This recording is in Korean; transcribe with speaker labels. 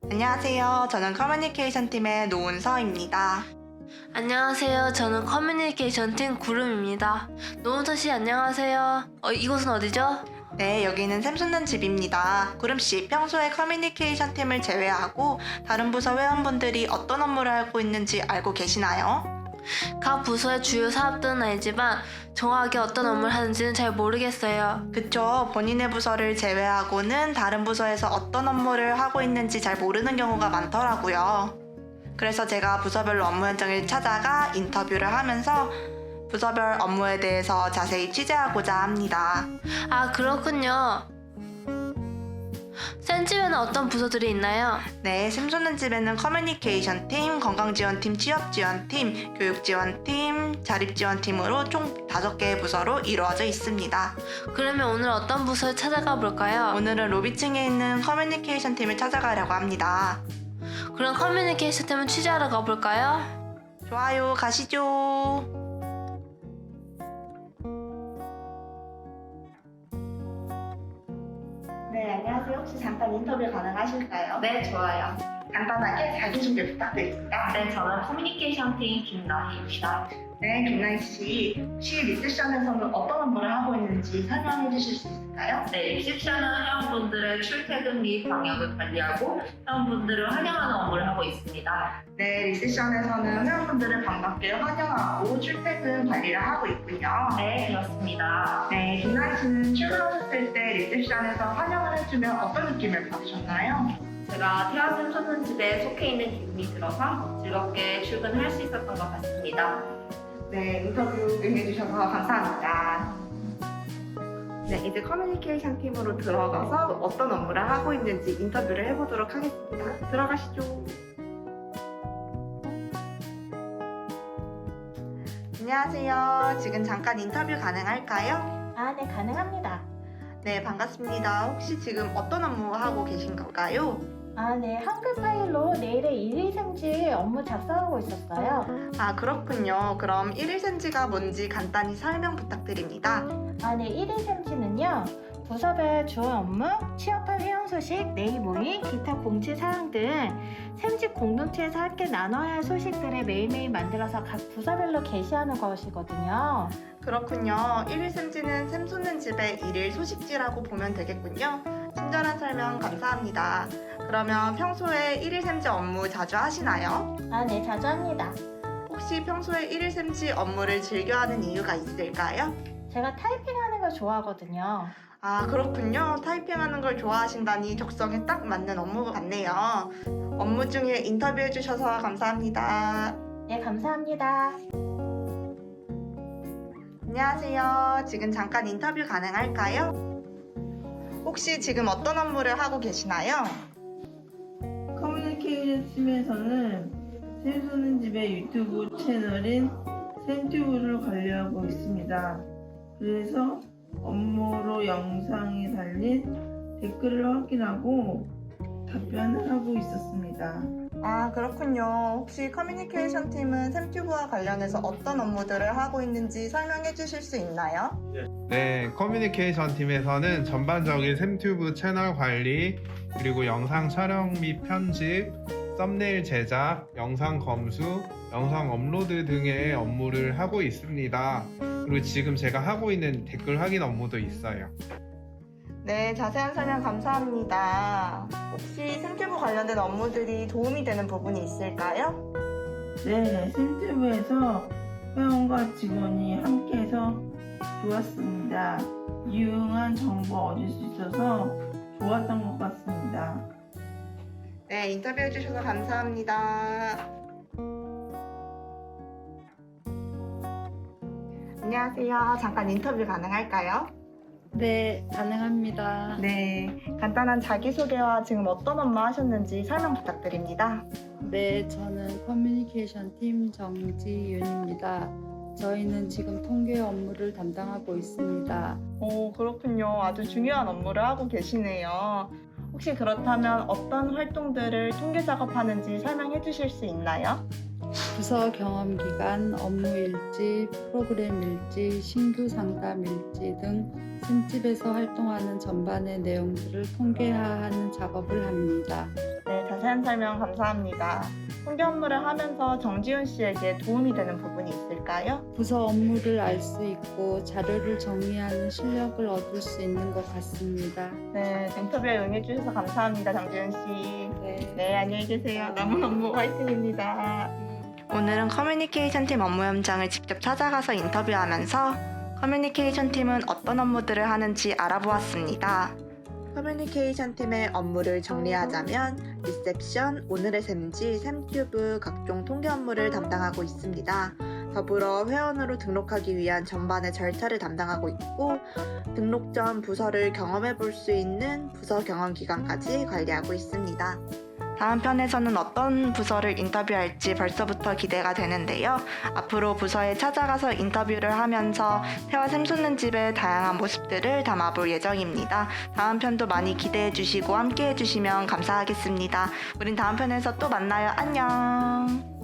Speaker 1: 안녕하세요. 저는 커뮤니케이션 팀의 노은서입니다.
Speaker 2: 안녕하세요. 저는 커뮤니케이션 팀 구름입니다. 노은서 씨 안녕하세요. 이곳은 어디죠?
Speaker 1: 네, 여기는 샘솟는 집입니다. 구름씨, 평소에 커뮤니케이션 팀을 제외하고 다른 부서 회원분들이 어떤 업무를 하고 있는지 알고 계시나요?
Speaker 2: 각 부서의 주요 사업들은 알지만 정확하게 어떤 업무를 하는지는 잘 모르겠어요.
Speaker 1: 그쵸. 본인의 부서를 제외하고는 다른 부서에서 어떤 업무를 하고 있는지 잘 모르는 경우가 많더라고요. 그래서 제가 부서별로 업무 현장을 찾아가 인터뷰를 하면서 부서별 업무에 대해서 자세히 취재하고자 합니다.
Speaker 2: 아, 그렇군요. 센집에는 어떤 부서들이 있나요?
Speaker 1: 네, 샘솟는 집에는 커뮤니케이션 팀, 건강지원팀, 취업지원팀, 교육지원팀, 자립지원팀으로 총 5개의 부서로 이루어져 있습니다.
Speaker 2: 그러면 오늘 어떤 부서에 찾아가 볼까요?
Speaker 1: 오늘은 로비층에 있는 커뮤니케이션 팀을 찾아가려고 합니다.
Speaker 2: 그럼 커뮤니케이션 팀을 취재하러 가볼까요?
Speaker 1: 좋아요, 가시죠. 네, 안녕하세요. 혹시 잠깐 인터뷰 가능하실까요?
Speaker 3: 네, 좋아요.
Speaker 1: 간단하게 자기소개 부탁드립니다.
Speaker 3: 네, 저는 커뮤니케이션 팀 김나희입니다.
Speaker 1: 네, 김나희 씨. 혹시 리셉션에서는 어떤 업무를 하고 있는지 설명해 주실 수 있을까요?
Speaker 3: 네, 리셉션은 회원분들의 출퇴근 및 방역을 관리하고 회원분들을 환영하는 업무를 하고 있습니다.
Speaker 1: 네, 리셉션에서는 회원분들을 반갑게 환영하고 출퇴근 관리를 하고 있군요.
Speaker 3: 네, 그렇습니다.
Speaker 1: 네, 김나희 씨는 출근하셨을 때 리셉션에서 환영을 해주면 어떤 느낌을 받으셨나요?
Speaker 3: 제가 태아샘 솟는 집에 속해 있는 기분이 들어서 즐겁게 출근할 수 있었던 것 같습니다.
Speaker 1: 네, 인터뷰 응해주셔서 감사합니다. 네, 이제 커뮤니케이션 팀으로 들어가서 어떤 업무를 하고 있는지 인터뷰를 해보도록 하겠습니다. 들어가시죠. 안녕하세요. 지금 잠깐 인터뷰 가능할까요?
Speaker 4: 아, 네, 가능합니다.
Speaker 1: 네, 반갑습니다. 혹시 지금 어떤 업무 하고 계신 건가요?
Speaker 4: 아, 네, 한글 파일로 내일의 일일생지 업무 작성하고 있었어요.
Speaker 1: 아, 그렇군요. 그럼 1일생지가 뭔지 간단히 설명 부탁드립니다.
Speaker 4: 아, 네, 일일생지는요, 부서별 주요 업무, 취업할 회원 소식, 내일 모임, 기타 공지 사항 등 샘집 공동체에서 함께 나눠야 할 소식들을 매일매일 만들어서 각 부서별로 게시하는 것이거든요.
Speaker 1: 그렇군요. 1일생지는 샘솟는 집의 1일 소식지라고 보면 되겠군요. 친절한 설명 감사합니다. 그러면 평소에 1일생지 업무 자주 하시나요?
Speaker 4: 아, 네, 자주 합니다.
Speaker 1: 혹시 평소에 1일생지 업무를 즐겨하는 이유가 있을까요?
Speaker 4: 제가 타이핑하는 걸 좋아하거든요.
Speaker 1: 아, 그렇군요. 타이핑하는 걸 좋아하신다니 적성에 딱 맞는 업무 같네요. 업무 중에 인터뷰해 주셔서 감사합니다.
Speaker 4: 네, 감사합니다.
Speaker 1: 안녕하세요. 지금 잠깐 인터뷰 가능할까요? 혹시 지금 어떤 업무를 하고 계시나요?
Speaker 5: 커뮤니케이션 팀에서는 샘솟는 집의 유튜브 채널인 샘튜브를 관리하고 있습니다. 그래서 업무로 영상에 달린 댓글을 확인하고 답변을 하고 있었습니다.
Speaker 1: 아, 그렇군요. 혹시 커뮤니케이션 팀은 샘튜브와 관련해서 어떤 업무들을 하고 있는지 설명해 주실 수 있나요?
Speaker 6: 네, 커뮤니케이션 팀에서는 전반적인 샘튜브 채널 관리, 그리고 영상 촬영 및 편집, 썸네일 제작, 영상 검수, 영상 업로드 등의 업무를 하고 있습니다. 그리고 지금 제가 하고 있는 댓글 확인 업무도 있어요.
Speaker 1: 네, 자세한 설명 감사합니다. 혹시 샘튜브 관련된 업무들이 도움이 되는 부분이 있을까요?
Speaker 5: 네, 샘튜브에서 회원과 직원이 함께해서 좋았습니다. 유용한 정보 얻을 수 있어서 좋았던 것 같습니다.
Speaker 1: 네, 인터뷰해 주셔서 감사합니다. 안녕하세요. 잠깐 인터뷰 가능할까요?
Speaker 7: 네, 가능합니다.
Speaker 1: 네, 간단한 자기소개와 지금 어떤 업무 하셨는지 설명 부탁드립니다.
Speaker 7: 네, 저는 커뮤니케이션 팀 정지윤입니다. 저희는 지금 통계 업무를 담당하고 있습니다.
Speaker 1: 오, 그렇군요. 아주 중요한 업무를 하고 계시네요. 혹시 그렇다면 어떤 활동들을 통계 작업하는지 설명해 주실 수 있나요?
Speaker 7: 부서 경험 기간, 업무 일지, 프로그램 일지, 신규 상담 일지 등 샘집에서 활동하는 전반의 내용들을 통계화하는 작업을 합니다.
Speaker 1: 네,
Speaker 4: 자세한 설명 감사합니다. 통계 업무를 하면서 정지훈 씨에게 도움이 되는 부분이 있을까요?
Speaker 7: 부서 업무를 알 수 있고 자료를 정리하는 실력을 얻을 수 있는 것 같습니다.
Speaker 4: 네, 인터뷰에 응해주셔서 감사합니다, 정지훈 씨.
Speaker 7: 네.
Speaker 4: 네, 안녕히 계세요. 남은 업무 화이팅입니다.
Speaker 1: 오늘은 커뮤니케이션 팀 업무 현장을 직접 찾아가서 인터뷰하면서 커뮤니케이션 팀은 어떤 업무들을 하는지 알아보았습니다. 커뮤니케이션 팀의 업무를 정리하자면 리셉션, 오늘의 샘지, 샘튜브 각종 통계 업무를 담당하고 있습니다. 더불어 회원으로 등록하기 위한 전반의 절차를 담당하고 있고 등록 전 부서를 경험해 볼 수 있는 부서 경험 기간까지 관리하고 있습니다. 다음 편에서는 어떤 부서를 인터뷰할지 벌써부터 기대가 되는데요. 앞으로 부서에 찾아가서 인터뷰를 하면서 태화 샘솟는 집의 다양한 모습들을 담아볼 예정입니다. 다음 편도 많이 기대해 주시고 함께 해주시면 감사하겠습니다. 우린 다음 편에서 또 만나요. 안녕!